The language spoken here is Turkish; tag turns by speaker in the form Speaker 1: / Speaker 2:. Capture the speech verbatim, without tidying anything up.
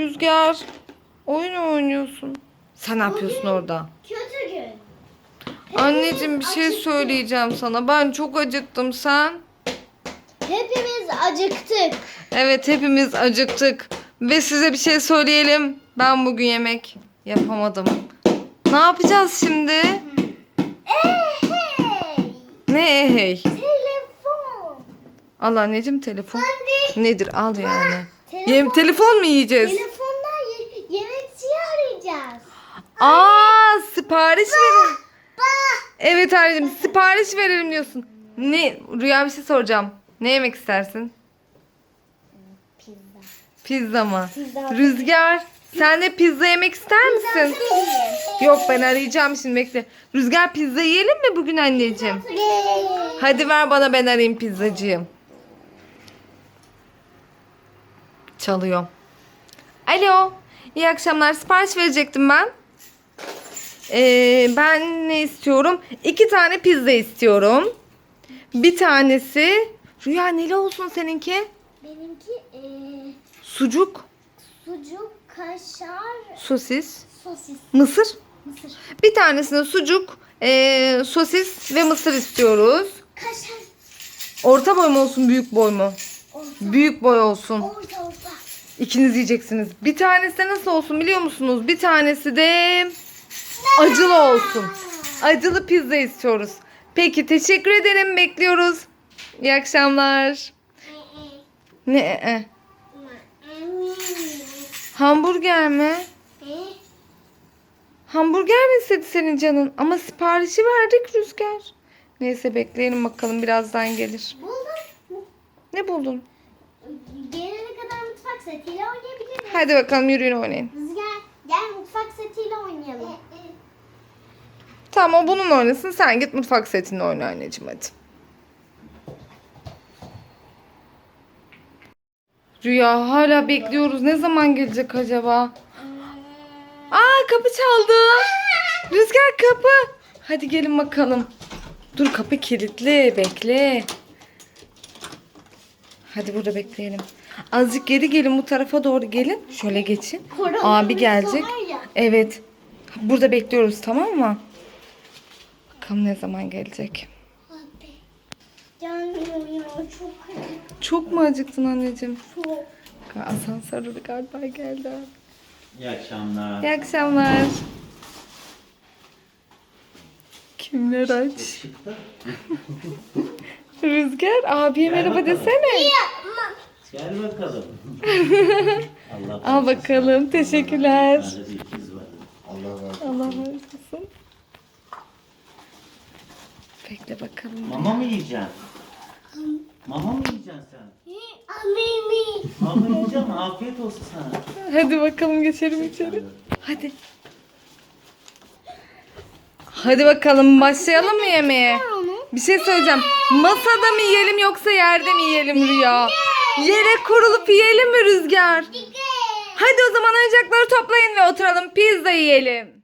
Speaker 1: Rüzgar. Oyun oynuyorsun. Sen ne yapıyorsun orada?
Speaker 2: Kötü gün.
Speaker 1: Anneciğim bir şey
Speaker 2: acıktık.
Speaker 1: söyleyeceğim sana. Ben çok acıktım, sen?
Speaker 2: Hepimiz acıktık.
Speaker 1: Evet, hepimiz acıktık. Ve size bir şey söyleyelim. Ben bugün yemek yapamadım. Ne yapacağız şimdi?
Speaker 2: Hey!
Speaker 1: Ne hey?
Speaker 2: Telefon.
Speaker 1: Al anneciğim telefon.
Speaker 2: Anne.
Speaker 1: Nedir? Al yani.
Speaker 2: Telefon.
Speaker 1: Yem telefon mu yiyeceğiz?
Speaker 2: Telefondan ye- yemekçiyi arayacağız.
Speaker 1: Aa, sipariş verin.
Speaker 2: Bah.
Speaker 1: Evet anneciğim, sipariş verelim diyorsun. Ne? Rüya, bir şey soracağım. Ne yemek istersin?
Speaker 2: Pizza.
Speaker 1: Pizza mı?
Speaker 2: Pizza.
Speaker 1: Rüzgar, sen de pizza yemek ister misin? Yok, ben arayacağım şimdi, bekle. Rüzgar, pizza yiyelim mi bugün anneciğim? Hadi ver bana, ben arayayım pizzacıyı. Çalıyor. Alo. İyi akşamlar. Sipariş verecektim ben. Ee, ben ne istiyorum? İki tane pizza istiyorum. Bir tanesi... Rüya, neli olsun seninki?
Speaker 2: Benimki eee
Speaker 1: Sucuk,
Speaker 2: sucuk, kaşar,
Speaker 1: sosis,
Speaker 2: sosis,
Speaker 1: mısır.
Speaker 2: mısır.
Speaker 1: Bir tanesine sucuk, ee, sosis ve mısır istiyoruz.
Speaker 2: Kaşar.
Speaker 1: Orta boy mu olsun, büyük boy mu?
Speaker 2: Orta.
Speaker 1: Büyük boy olsun.
Speaker 2: Orta orta.
Speaker 1: İkiniz yiyeceksiniz. Bir tanesi de nasıl olsun biliyor musunuz? Bir tanesi de acılı olsun. Acılı pizza istiyoruz. Peki, teşekkür ederim. Bekliyoruz. İyi akşamlar. Ne? e? Hamburger mi? Hamburger mi istedi senin canın? Ama siparişi verdik Rüzgar. Neyse, bekleyelim bakalım, birazdan gelir.
Speaker 2: Buldum.
Speaker 1: Ne buldun?
Speaker 2: Gelene kadar mutfak setiyle oynayabiliriz.
Speaker 1: Hadi bakalım, yürüyün oynayın.
Speaker 2: Rüzgar gel mutfak setiyle oynayalım.
Speaker 1: Tamam, o bunun oynasın. Sen git mutfak setinde oyna anneciğim, hadi. Rüya, hala bekliyoruz. Ne zaman gelecek acaba? Aa, kapı çaldı. Rüzgar, kapı. Hadi gelin bakalım. Dur, kapı kilitli. Bekle. Hadi burada bekleyelim. Azıcık geri gelin, bu tarafa doğru gelin. Şöyle geçin.
Speaker 2: Korona
Speaker 1: Abi gelecek.
Speaker 2: virüsü var ya.
Speaker 1: Evet. Burada bekliyoruz, tamam mı? Bakalım ne zaman gelecek.
Speaker 2: Abi. Gelmiyor ya çok acı.
Speaker 1: Çok mu acıktın anneciğim?
Speaker 2: Çok.
Speaker 1: Asansörde galiba geldi.
Speaker 3: İyi akşamlar.
Speaker 1: İyi akşamlar. Kimler aç?
Speaker 3: Işıkta.
Speaker 1: Rüzgar, abiye
Speaker 3: Gel
Speaker 1: merhaba
Speaker 3: bakalım.
Speaker 1: desene.
Speaker 3: Gel bakalım. Allah
Speaker 1: Al bakalım, teşekkürler.
Speaker 3: Bende bir ikiz var.
Speaker 4: Allah razı
Speaker 1: Allah razı olsun. Bekle bakalım.
Speaker 3: Mama mı yiyeceksin? Mama mı yiyeceksin sen?
Speaker 2: Amimi.
Speaker 3: Mama yiyeceğim. Afiyet olsun sana.
Speaker 1: Hadi bakalım, geçelim içeri. Hadi. Hadi bakalım, başlayalım mı yemeğe? Bir şey söyleyeceğim. Masada mı yiyelim yoksa yerde mi yiyelim Rüya? Yere kurulup yiyelim mi Rüzgar? Hadi o zaman oyuncakları toplayın ve oturalım, pizza yiyelim.